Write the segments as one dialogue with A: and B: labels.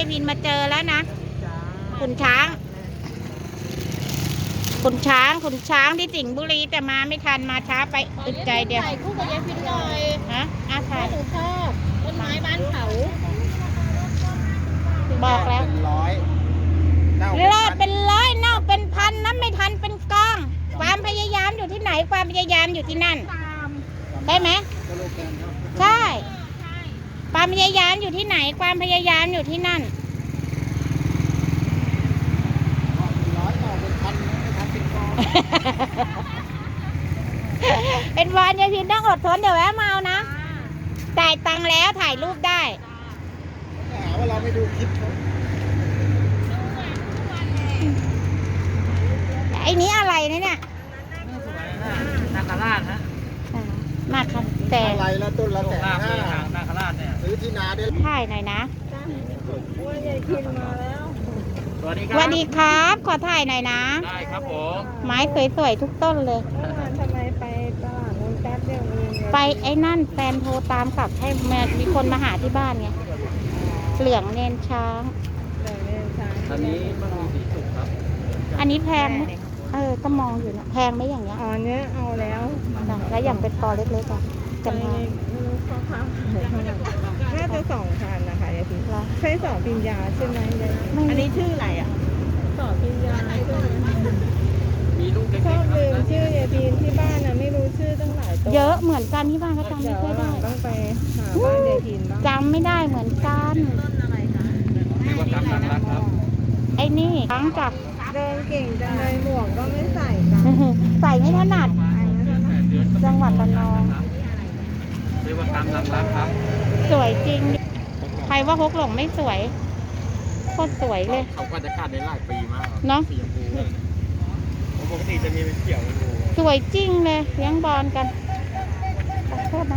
A: ายพินมาเจอแล้วนะขุนช้างขุนช้างที่สิงห์บุรีแต่มาไม่ทันมาช้าไปอึดใจเดียว
B: ถ่ายคู่กับยายพินหน่อย
A: ฮะอาถ่าย
B: หนูชอบต้นไม้บ้านเขา
A: บอกแล้ว
C: เป็นร้อยเน่า
A: รอดเป็นร้อยเน่าเป็นพันน้ำไม่ทันเป็นกองความพยายามอยู่ที่ไหนความพยายามอยู่ที่นั่นได้ไหมใช่ความพยายามอยู่ที่ไหนความพยายามอยู่ที่นั่น
C: ร้อยต่อเป็นพันไม่ทันเป็นกอง
A: เป็นวันยายพินต้องอดทนเดี๋ยวแวะมาเอานะจ่ายตังค์แล้วถ่ายรูปได้
C: หาว่าเราไม่ดูคลิปเขา
A: ไอ้นี้อะไรนะเนี่ย
D: นาคราชฮะ
A: มากครับแต่
C: อะไรละต้นละ150,000
D: นาคราชเนี่ย
C: ซื้อที่นาได้
A: ถ่ายหน่อยนะ
D: สวัสดีค
A: ส
D: รับ
A: วัสดีครับ ขอถ่ายหน่อยนะ
D: ได้ครับผม
A: ไม้สวยๆทุกต้นเลย
B: ทำไมไปตลาดนู้นแป๊บเดียวเอง
A: ไปไอ้นั่นแฟนโทรตามกลับให้แม่มีคนมาหาที่บ้านไงเหลืองเนนช้าง
D: อันนี้มันมีสีสุกครับ
A: อันนี้แพงไหมก็มองอยู่นะแพงไหมอย่างเงี้ย
B: อ๋อเนี้ยเอาแล้ว
A: แล้วอย่างเป็นปอเล็กๆอ่ะจำนวน
B: ไม่รู้เขาทำน่าจะ2,000นะคะยายพินใช่สอปิญญาใช่ไหมยายอันนี้ชื่ออะไรอ่ะสอปิญญาใช่ไหม
D: มีลูกเล็ก
B: ชอบ
D: ๆค
B: ลืม
D: รับ
B: ชื่อยายพินที่บ้านนะไม่รู้ชื่อตั้งหลายตัว
A: เยอะเหมือนกันที่บ้านก็จำ
B: เดี๋
A: ไม่
B: ยว
A: ค่อย
B: วันหลั
A: ได้
B: งต้องไปหาบ้านยายพินบ้าง
A: จำไม่ได้เหมือนกัน
D: เรียกว่าตามหลักรักครับ
A: ไอ้นี่ช้างจับ
B: เดินเก่งจังเลยหมวกก็ไม่ใส่กัน
A: ใส่ไม่ถนัด จังหวัดระนอง
D: เรียกว่าตามหลักรักครับ
A: สวยจริง ใครว่าฮกหลงไม่สวยโคตรสวยเลย
D: เขาก็จะกัดในหลายปีมาก
A: เนาะ
D: สีชมพูเลยปกติจะมีเป็นเขียวชมพู
A: สวยจริงเลยเลี้ยงบอลกันขอโทษนะ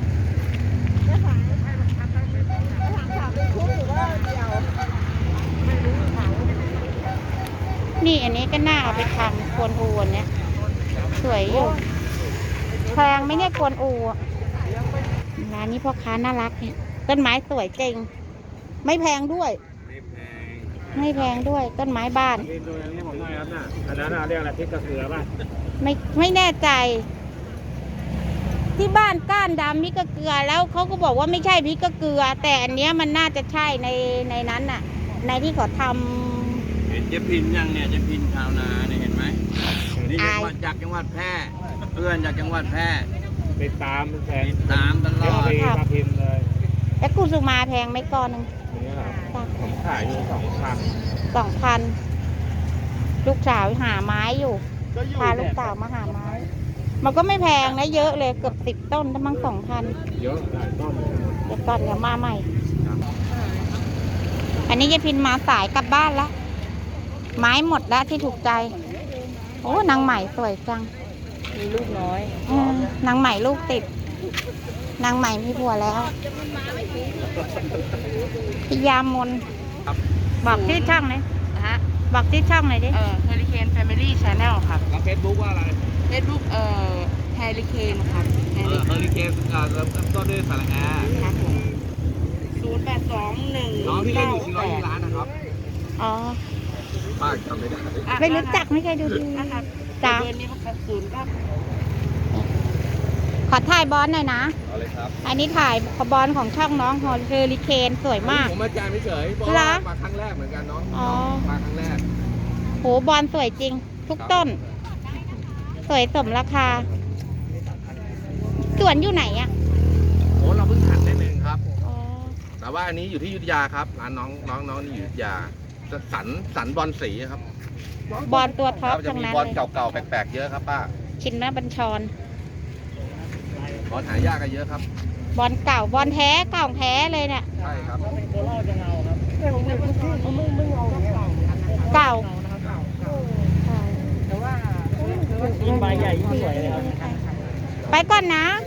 A: นี่อันนี้ก็น่าเอาไปทำกวนอูอันเนี้ยสวยอยู่แพงไหม่เนี่ยกวนอูอะร้านนี้พ่อค้าน่ารักเนี่ยต้นไม้สวยจริง ไม่แพงด้วย ไม่แพงด้วยต้นไม้บ้าน
D: นี่ดูอย่างนี้ผมหน่อยครับน่ะอันนั้นเรียกอะไรพริกกระเสือป่ะ
A: ไม่แน่ใจ ที่บ้านก้านดำพริกกะเกลือแล้วเขาก็บอกว่าไม่ใช่พริกกะเกลือ แต่อันเนี้ยมันน่าจะใช่ในนั้นน่ะ ในที่เขาท
D: เห็นเจ๊พินยังเนี่ยเจ๊พินชาวนาเนี่ยเห็นไหมนี่จังหวัดจากจังหวัดแพร่เพื่อนจากจังหวัดแพร่ติดตามแฟนตามตลอดมาพิมพ์เลย
A: ำแล้วกุสุมาแพงไหมก้อนหนึ่ง
D: นี่ครับผมขายอยู่
A: 2,000ลูกสาวหาไม้อยู่พาลูกสาวมาหาไม้ มันก็ไม่แพงนะเยอะเลยเกือบ10 ต้นตั้ง2,000
D: เยอะหลายต้นเลย
A: เดี๋ยวก่อนเดี๋ยวมาใหม่ อันนี้ยายพินมาสายกลับบ้านแล้วไม้หมดแล้วที่ถูกใจโอ้นางใหม่สวยจัง
B: มีลูกน้อย
A: นางใหม่ลูกติด นางใหม่มีผัวแล้วพิยามนบอกชื่อช่องเลยบอกชื่อช่องหน่อยดิ
B: เฮลิเคนแฟมิลี่ชาแนลครับ
D: แล้วเฟซบุ๊กว่าอะไร
B: เฟซบุ๊กเฮลิเคนครับ
D: เฮลิเคนเริ่มต้นด้วยสระแอร์
B: ครับผม0821
D: น้องที่เล่นอยู่ที่ร้อยล้านนะครับ
A: อ๋อ
D: ป้าจำไม่ได้
A: ไม่รู้จักไม่เคยดูทีวี
B: นะครับ
A: จ้า
B: เดือนนี้มัน0ครับ
A: ขอถ่ายบอลหน่อยนะ
D: เอาเลยครับ
A: อันนี้ถ่ายบอลของช่องน้องฮอลเฮอริเคนสวยมาก
D: ผมมาแจมเฉยๆเพราะ
A: เหร
D: ว่า
A: อ
D: มาครั้งแรกเหมือนกันเนาะ
A: อ๋อ
D: มาครั้งแรก
A: โหบอลสวยจริง ทุกต้น สวยสมราคา สวนอยู่ไหนอ่ะ
D: โอ้เราเพิ่งหันได้หนึ่งครับ
A: อ๋อ
D: แต่ว่าอันนี้อยู่ที่อยุธยาครับร้านน้องนี่อยู่อยุธยาสันบอลสีครับ
A: บอลตัวท็อป
D: จะ
A: ทั้ง
D: มี
A: นั้น
D: บอล
A: เลย
D: เก่าๆแปลกๆเยอะครับป้า
A: ชินนะบัญชร
D: บอลหายากกันเยอะครับ
A: บอลเก่าบอลแท้เก่าแท้เลยเนี่ย
D: ใช่ครับ
A: เก่า
B: แต่ว่า
D: ยิ่งใบใหญ่ยิ่งสวยเลยครับ
A: ไปก่อนนะ
B: ค